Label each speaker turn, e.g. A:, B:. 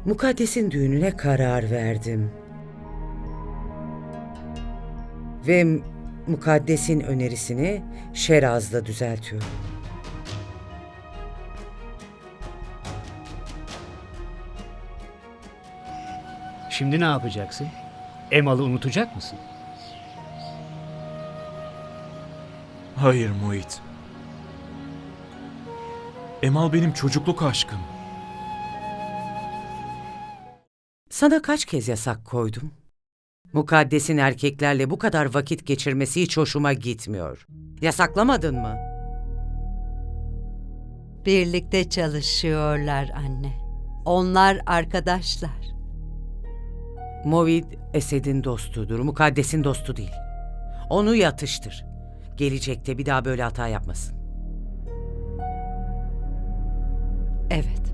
A: Mukaddes'in düğününe karar verdim. Ve Mukaddes'in önerisini Şeraz'la düzeltiyorum.
B: Şimdi ne yapacaksın? Emal'ı unutacak mısın?
C: Hayır Muhit. Emal benim çocukluk aşkım.
A: Sana kaç kez yasak koydum? Mukaddes'in erkeklerle bu kadar vakit geçirmesi hiç hoşuma gitmiyor. Yasaklamadın mı?
D: Birlikte çalışıyorlar anne. Onlar arkadaşlar.
A: Movid, Esed'in dostudur, Mukaddes'in dostu değil. Onu yatıştır. Gelecekte bir daha böyle hata yapmasın.
D: Evet.